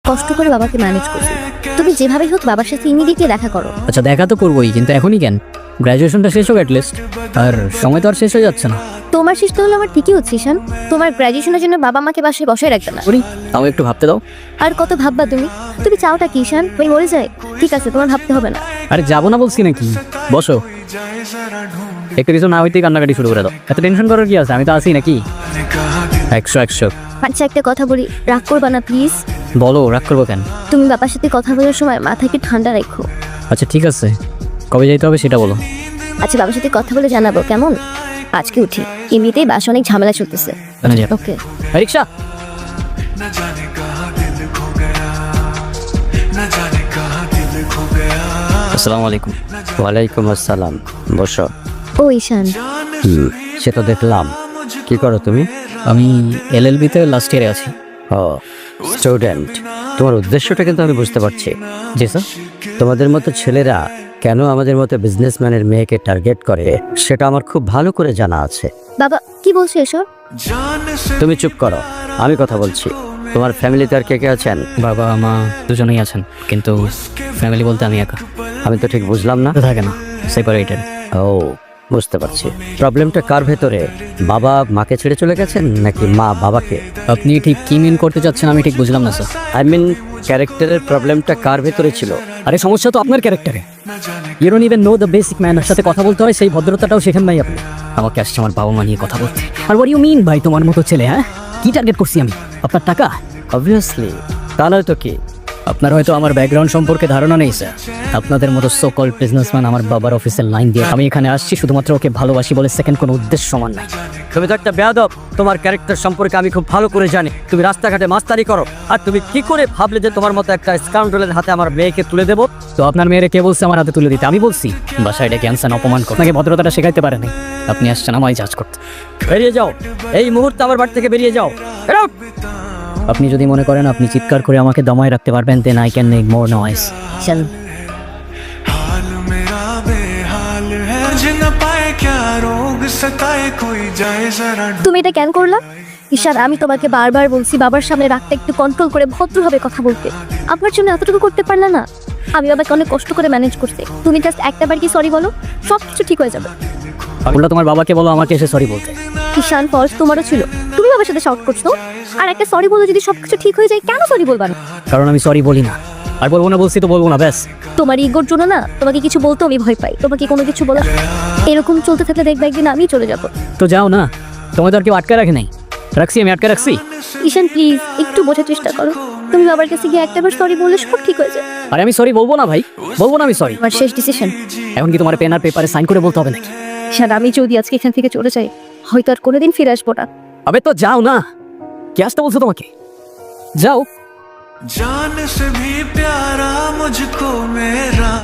কষ্ট করে বাবাকে ম্যানেজ করছি। তুমি যেভাবেই হোক বাবার সাথে ইমিডিয়েটলি দেখা করো। আচ্ছা দেখা তো করবোই, কিন্তু এখনই কেন? গ্র্যাজুয়েশনটা শেষ হোক অ্যাটলিস্ট। আর সময় তো আর শেষ হয়ে যাচ্ছে না। তোমার শেষ তো হলো, আমার ঠিকই হচ্ছে ঈশান। তোমার গ্র্যাজুয়েশনের জন্য বাবা মাকে বাসায় বসায় রাখবে না। করি তাও একটু ভাবতে দাও। আর কত ভাববা তুমি? তুমি চাওটা কি ঈশান? ওই মরে যায়? ঠিক আছে, তোমার ভাবতে হবে না। আরে যাবো না বলছি নাকি? বসো, একটু কিছু না হইতেই কান্নাকাটি শুরু করে দাও। এত টেনশন করার কি আছে? আমি তো আছি নাকি। 100 আচ্ছা একটা কথা বলি, রাগ করবা না প্লিজ। বলো, রাগ করবো কেন? তুমি বাবার সাথে কথা বলার সময় মাথাকে ঠান্ডা রাখো। আচ্ছা ঠিক আছে, কবে যাইতে হবে সেটা বলো। আচ্ছা বাবার সাথে কথা বলে জানাবো কেমন? আজকে উঠি, এমনিতেই বাসা অনেক ঝামেলা চলতেছে। ওকে। রিক্সা। আসসালামু আলাইকুম। ওয়ালাইকুম আসসালাম। বসো। ও ঈশান, সে তো দেখলাম। কি করো তুমি? আমি এলএলবি-তে লাস্ট ইয়ারে আছি। ও স্টুডেন্ট। তোমার উদ্দেশ্যটা কিন্তু আমি বুঝতে পারছি। জি স্যার। তোমাদের মতো ছেলেরা কেন আমাদের মতো বিজনেসম্যানের মেয়েকে টার্গেট করে সেটা আমার খুব ভালো করে জানা আছে। বাবা কি বলছো এসব? তুমি চুপ করো, আমি কথা বলছি। তোমার ফ্যামিলিতে আর কে কে আছেন? বাবা মা দুজনেই আছেন, কিন্তু ফ্যামিলি বলতে আমি একা। আমি তো ঠিক বুঝলাম না। তো থাকে না, সেপারেটেড। ও বুঝতে পারছি। প্রবলেমটা কার ভেতরে? বাবা মাকে ছেড়ে চলে গেছেন নাকি মা বাবাকে? আপনি ঠিক কি মিন করতে চাচ্ছেন আমি ঠিক বুঝলাম না স্যার। আই মিন ক্যারেক্টারের প্রবলেমটা কার ভেতরে ছিল? আরে সমস্যা তো আপনার ক্যারেক্টারে। You don't even know the basic manner. সাথে কথা বলতে হয় সেই ভদ্রতাটাও শেখেন নাই আপনি। আমাকে আসছে আমার বাবা মা নিয়ে কথা বলতে। আর হোয়াট ইউ মিন ভাই, তোমার মতো ছেলে? হ্যাঁ, কি টার্গেট করছি আমি? আপনার টাকা? অবভিয়াসলি, তা নয় তো কি? আপনার হয়তো আমার ব্যাকগ্রাউন্ড সম্পর্কে ধারণা নেই স্যার। আপনাদের মতো সো কল্ড বিজনেসম্যান আমার বাবার অফিসের লাইন দিয়ে আমি এখানে আসছি শুধুমাত্র ওকে ভালোবাসি বলে। সেকেন্ড কোনো উদ্দেশ্য সমান নাই। তুমি তো একটা বেয়াদব। তোমার ক্যারেক্টার সম্পর্কে আমি খুব ভালো করে জানি। তুমি রাস্তাঘাটে মাস্তারি করো, আর তুমি কি করে ভাবলে যে তোমার মতো একটা স্কাউন্ডলের হাতে আমার মেয়েকে তুলে দেবো? তো আপনার মেয়েরে কে বলছে আমার হাতে তুলে দিতে? আমি বলছি? বাসায় ডেকে আনসান অপমান করতে, আপনাকে ভদ্রতাটা শেখাইতে পারেনি। আপনি আসছেন আমায় জাজ করতে। বেরিয়ে যাও, এই মুহূর্তে আমার বাড়ি থেকে বেরিয়ে যাও। Get out! আপনি যদি মনে করেন আপনি চিৎকার করে আমাকে দমায় রাখতে পারবেন, then I can make more noise. Ishan, हाल मेरा बेहाल है, मुझे न पाए क्या रोग सताए, कोई जाए जरा তুমি এটা কেন করলা? ঈশান, আমি তোমাকে বারবার বলছি বাবার সামনে রাগটা একটু কন্ট্রোল করে ভদ্রভাবে কথা বলতে। আপনার জন্য এতটুকু করতে পারলা না? আমি বাবাকে অনেক কষ্ট করে ম্যানেজ করতে। তুমি জাস্ট একটা বার কি সরি বলো, সব কিছু ঠিক হয়ে যাবে। উল্টা তোমার বাবাকে বলো আমাকে এসে সরি বলতে। ঈশান, ফলস তোমারও ছিল। তুমি বাবার সাথে শাউট করছো, আর একটা সরি বলে যদি সবকিছু ঠিক হয়ে যায়, কেন সরি বলবা না? কারণ আমি সরি বলি না, আর বলবো না। বলছি তো বলবো না, ব্যাস। তোমার ইগোর জন্য না তোমাকে কিছু বলতে আমি ভয় পাই। তোমাকে কোনো কিছু বলা, এরকম চলতে থাকলে দেখবে একদিন আমি চলে যাবো। তো যাও না, তোমায় তো আর কেউ আটকে রাখে নাই। রাখছি আমি, আটকে রাখছি? ঈশান প্লিজ একটু বোঝার চেষ্টা করো। তুমি বাবার কাছে গিয়ে একটাবার সরি বললে সব ঠিক হয়ে যায়। আরে আমি সরি বলবো না ভাই, বলবো না আমি সরি। আমার শেষ ডিসিশন। এখন কি তোমার পেন আর পেপারে সাইন করে বলতে হবে নাকি? ঈশান, আমি যদি আজকে এখান থেকে চলে যাই, হয়তো আর কোনোদিন ফিরে আসবো না। আবে তো যাও না, কে আসতে বলছো তোমাকে? যাও। जान से भी प्यारा मुझको मेरा